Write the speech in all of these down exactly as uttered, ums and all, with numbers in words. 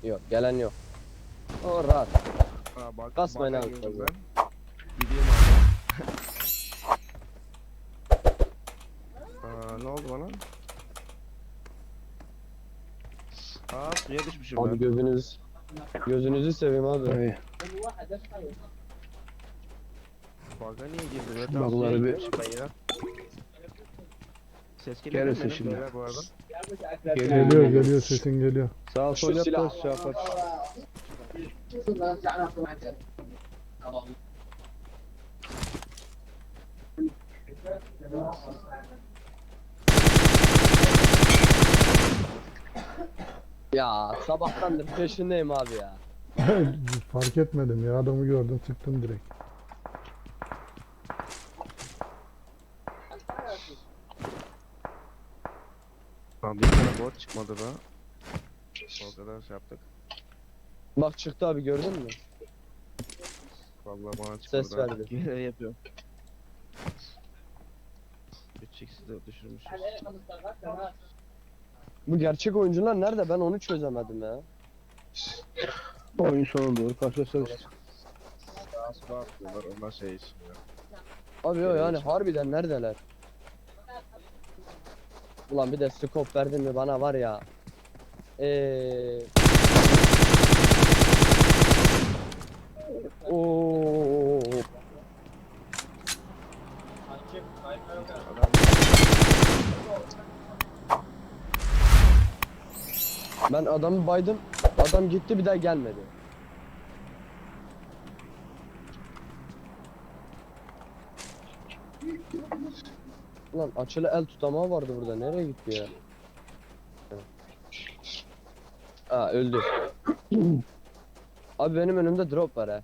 Yok gelen yok. O rahat. Ha, bak, Kasmayın baka abi, girdim fazla. ben. Gideyim abi. Aa, ne oldu bana? Aa, suya düşmüşüm Abi ben. gözünüz gözünüzü seveyim abi. Hey, Baga niye girdim? Evet, Şu tam suya bug'ları bir- girmişim ben ya. Ses geliyor değil mi Gelirsin benim? şimdi. Beyler bu arada. Geliyor, Geliyor geliyor sesin geliyor. Sağ Şu sol yap silah. da şey yapar. Ya sabahtandır peşindeyim abi ya. Fark etmedim ya, adamı gördüm sıktım direkt. Tamam, bir tane bot çıkmadı da. O kadar şey yaptık. Bak çıktı abi gördün mü? Vallahi bana çıkmadı. Ses verdi. Yine yapıyorum. üç x'i de düşürmüşüz. Bu gerçek oyuncular nerede? Ben onu çözemedim ya. Oyun sonuna doğru karşılaşacağız işte. Sağa sola atlıyorlar, onlar şey için ya. Abi o yani harbiden neredeler? Ulan bir de scope verdin mi bana var ya. Eee Oo. Ben adamı baydım. Adam gitti bir daha gelmedi. Ulan açılı el tutamağı vardı burada. Nereye gitti ya? Aa öldü. Abi benim önümde drop var ha.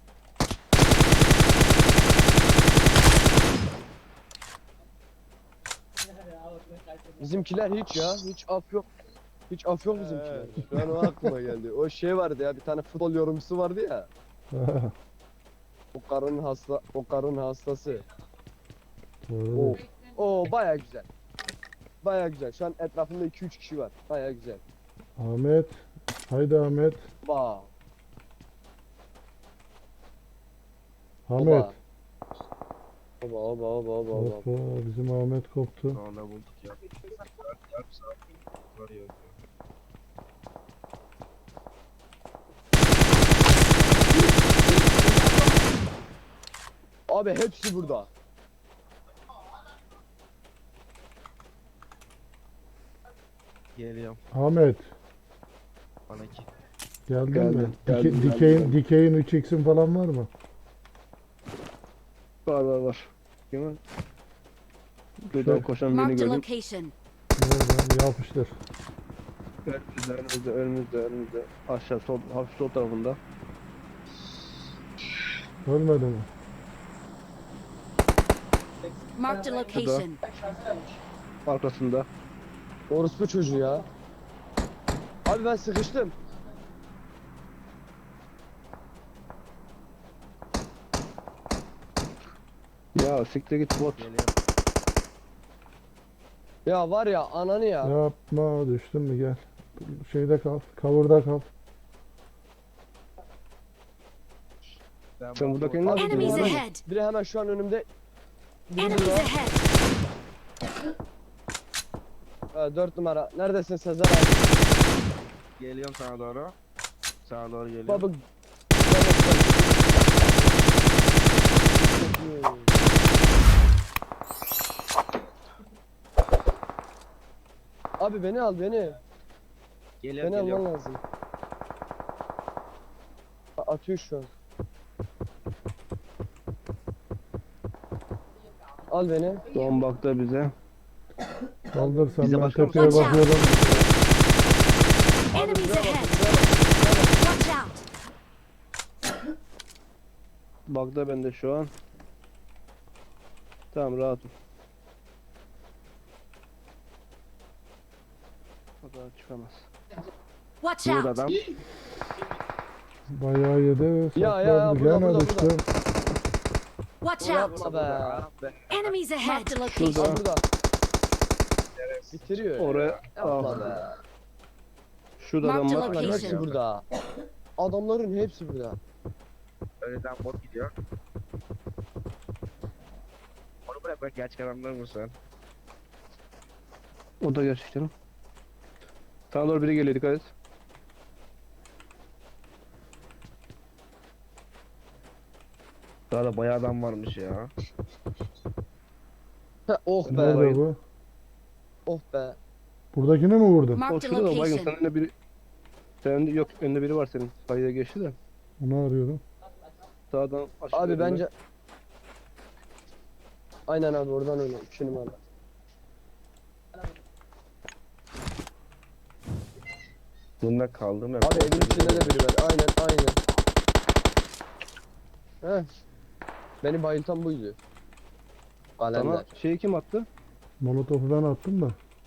Bizimkiler hiç ya. Hiç af yok. Hiç af yok bizimkiler. Şu an o aklıma geldi. O şey vardı ya, bir tane futbol yorumcusu vardı ya. O karın hasta, o karın hastası. O, o baya güzel. Baya güzel. Şu an etrafımda iki üç kişi var. Baya güzel. Ahmet. Haydi Ahmet. Ba. Ahmet. Oba oba oba oba oba. Hoppa, bizim Ahmet koptu. Sonunda bulduk ya. Yarım saat var ya. Abi hepsi burada. Geliyorum. Ahmet. Bana ki. Geldin Geldim, mi? geldim, Dike, geldim, dikeyin, geldim. dikeyin üç x'in falan var mı? Var var var. Değil mi? Buradan Şey- koşan birini Marked a gördüm. location. Nereden? Yapıştır. Önümüzde, önümüzde, önümüzde, önümüzde. Aşağı sol, hafif sol tarafında. Ölmedi mi? Marked a location. Arkasında. Orospu çocuğu ya. Abi ben sıkıştım. Ya siktir git bot. Geliyorum. Ya var ya ananı ya. Yapma, düştün mü, gel. Şeyde kal, cover'da kal. Ben Sen bu- buradakini ne Abi yapıyorsun? Enemies hemen- ahead. Biri hemen şu an önümde. Biri Enemies burada. ahead. Ha, dört numara. Neredesin Sezer abi? Geliyorum sana doğru. Sağa doğru geliyorum. Baba. Abi beni al beni. Geliyorum, Beni geliyorum. alman lazım. A- Atıyor şu an. Al beni. Son baktı bize. Kaldırsan Bize ben bakar tepeye mısın? bakıyorum. Enemies Buraya bak, ahead. buraya bak. Watch out. Baktı bende şu an. Tamam rahatım. O daha çıkamaz. Watch Burada out. adam. Bayağı yedi. Ya, ya, sakladı. burada, Gene burada, düştü. Watch Bunu out. yapma be. Ah be. Enemies ahead. Marked a Al location. burada. Bitiriyor. ya. Oraya Yapma ah, be. Şurada adam Marked var. location. Hepsi burada. Adamların hepsi burada. Önceden bot gidiyor. Onu bırak bırak gerçek adamlar mısın? O da gerçekten. Sana doğru biri geliyor, dikkat et. Daha da bayağı adam varmış ya. Heh, oh be. Nerede bu? Oh be. Buradakini mi vurdun? O Marked a şurada da baygın, location. senin önünde biri... Senin önünde, yok önünde biri var senin. Sayıda geçti de. Onu arıyorum. Sağdan aşağı. Abi yönde. bence... Aynen abi oradan öyle. iki numara. Bunda kaldım hep. Abi evin içinde de biri var. Aynen aynen. Heh. Beni bayıltan buydu. Kalender. Sana şeyi kim attı? Molotofu ben attım da.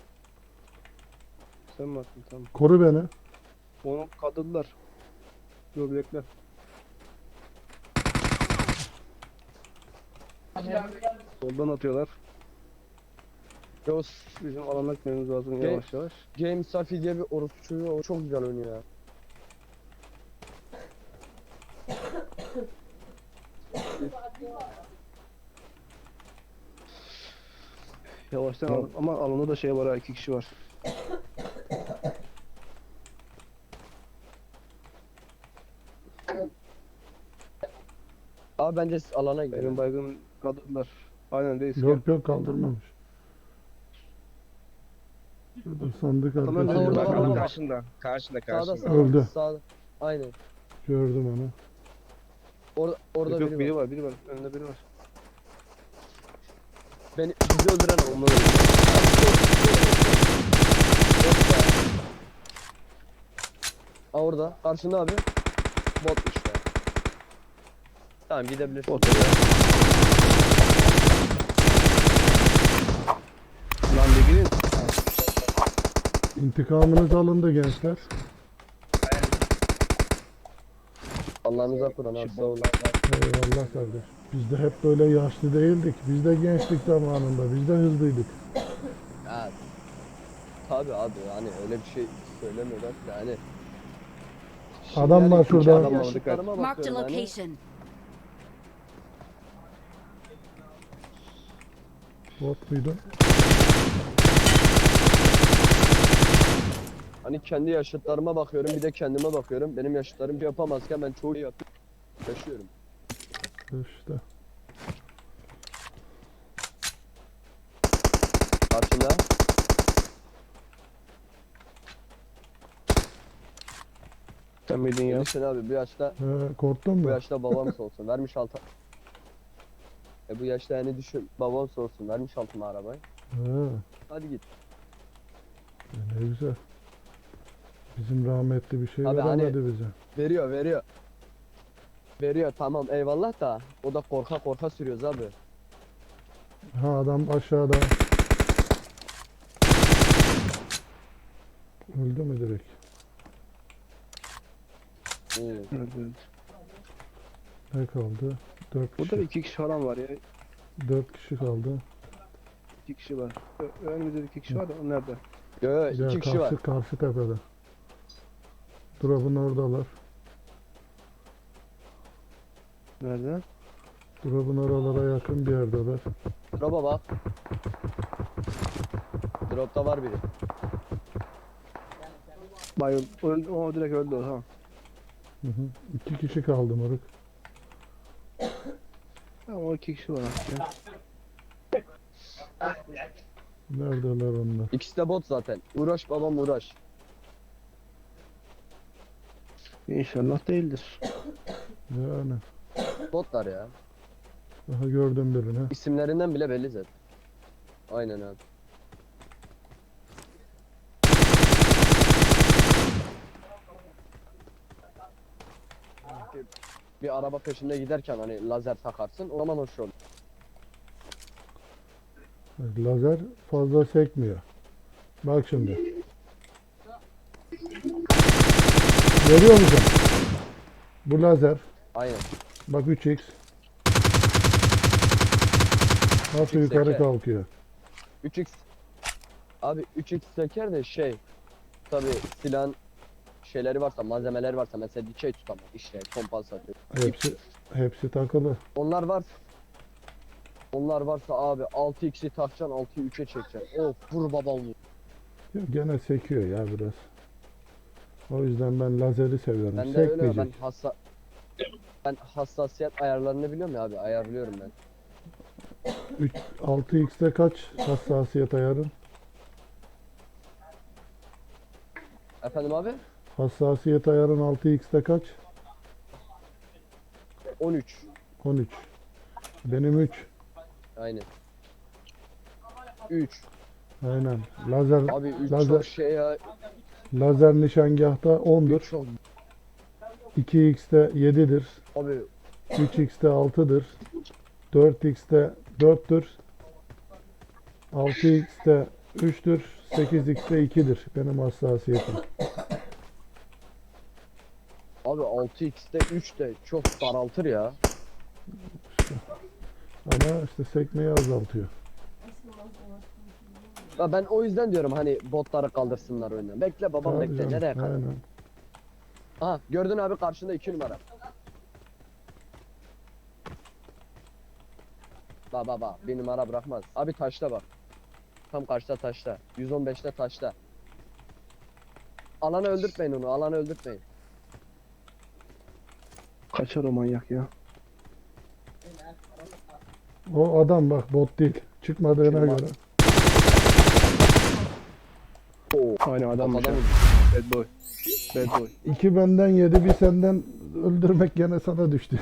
Sen mi attın? Tamam. Koru beni. Onu kadırdılar. Dur bekle. Soldan atıyorlar. Yavuz. Bizim alana gitmemiz lazım Ge- yavaş yavaş. Game Safi diye bir orospu çocuğu o çok güzel oynuyor ya. Yavaştan al ama alanda da şey var ha, iki kişi var. Abi bence siz alana gidelim. Benim baygın kadırdılar. Aynen reis gel. Yok yok kaldırmamış. Şurada sandık Tamam, arkası. orada Bak var, adam orada. karşında. Karşında Sağda karşında. sağda. Öldü. Sağda. Aynen. Gördüm onu. Orada orada Yok, yok biri, biri var. var, biri var. Önünde biri var. Beni bizi öldüren onlar öldü. Yok be. Aa orada. Karşında abi. Botmuş be. Tamam gidebilirsin. Otur ya. Lan bir gidin. İntikamınız alındı gençler. Allah'ınıza kur'an abi sağ olun. Eyvallah kardeş. Biz de hep böyle yaşlı değildik. Biz de gençlik zamanında. Biz de hızlıydık. Ya, tabii abi hani öyle bir şey söylemiyorlar ki hani. Adam var yani şurada. kendi Adam var, yaşıtlarıma Marked a bakıyorum hani. location. Bot muydu? Hani kendi yaşıtlarıma bakıyorum bir de kendime bakıyorum. Benim yaşıtlarım şey yapamazken ben çoğu şey yapıp yaşıyorum. İşte. Karşında. Sen miydin ya? Gelirsin abi bu yaşta He, korktun bu mu? yaşta babam olsun vermiş altı. E bu yaşta yani düşün babam olsun vermiş altıma arabayı. He, Hadi git. e ne güzel. Bizim rahmetli bir şey Abi hani- veremedi bize. Veriyor veriyor. Veriyor tamam eyvallah da o da korka korka sürüyoruz abi. Ha adam aşağıda. Öldü mü direkt? Hmm. Evet, evet. Ne kaldı? Dört Burada da kişi. iki kişi falan var ya. Dört kişi kaldı. İki kişi var. Ö- Önümüzde iki kişi var da o nerede? Yo yo Ya iki kişi var. karşı, karşı tepede. Drop'un oradalar. Nerede? Drop'un oralara yakın bir yerdeler. Drop'a bak. Drop'ta var biri. Bayıl. Öldü, o direkt öldü o, tamam. Hı hı. İki kişi kaldı moruk. Tamam o iki kişi var artık ya. Neredeler onlar? İkisi de bot zaten. Uğraş babam uğraş. İnşallah değildir. Yani. Botlar ya. Daha gördüm birini. İsimlerinden bile belli zaten. Aynen abi. Bir, bir araba peşinde giderken hani lazer takarsın o zaman hoş olur. Lazer fazla sekmiyor. Bak şimdi. Görüyor musun? Bu lazer. Aynen. Bak üç x. Nasıl üç x yukarı seker. kalkıyor. üç x. Abi üç x seker de şey. Tabi silahın şeyleri varsa, malzemeleri varsa mesela dikey tutamaz işte kompansatör. Hepsi hepsi takılı. Onlar var. Onlar varsa abi altı x'i takacaksın, altıyı üçe çekeceksin. Of vur babam vur. Ya gene sekiyor ya biraz. O yüzden ben lazeri seviyorum. Ben de öyle ben Sekmeyecek. hassa ben hassasiyet ayarlarını biliyorum ya abi ayarlıyorum ben. altı x'te kaç hassasiyet ayarın? Efendim abi? Hassasiyet ayarın altı x'te kaç? on üç. on üç. Benim üç. Aynen. üç. Aynen. Lazer Abi üç lazer çok şey ya. lazer nişangahta ondur. üç çok. iki x'te yedidir. Abi üç x'te altıdır. dört x'te dörttür. altı x'te üçtür. sekiz x'te ikidir benim hassasiyetim. abi altı x'te üç de çok daraltır ya. Ama işte sekmeyi azaltıyor. Ya ben o yüzden diyorum hani botları kaldırsınlar oyundan. Bekle babam Tabii bekle canım, nereye kadar? aynen. Aha gördün abi karşında iki numara. Bak bak bak bir numara bırakmaz. Abi taşta bak. Tam karşıda taşta. yüz on beşte taşta. Alanı öldürtmeyin onu alanı öldürtmeyin. Kaçar o manyak ya. O adam bak bot değil. Çıkmadığına Kim var? göre. Oo. Aynen adam Adam Bad boy. Bad boy. İki benden yedi bir senden öldürmek gene sana düştü.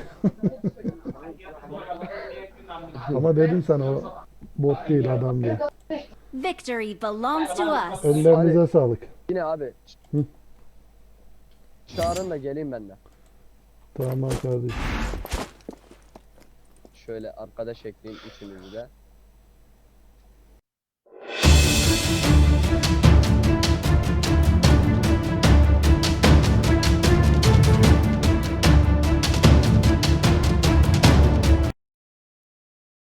Ama dedim sana o bot değil adam değil. Victory belongs to us. Ellerinize sağlık. Yine abi. Hı. Çağırın da geleyim ben de. Tamam kardeşim. Şöyle arkadaş ekleyeyim üçünüzü de.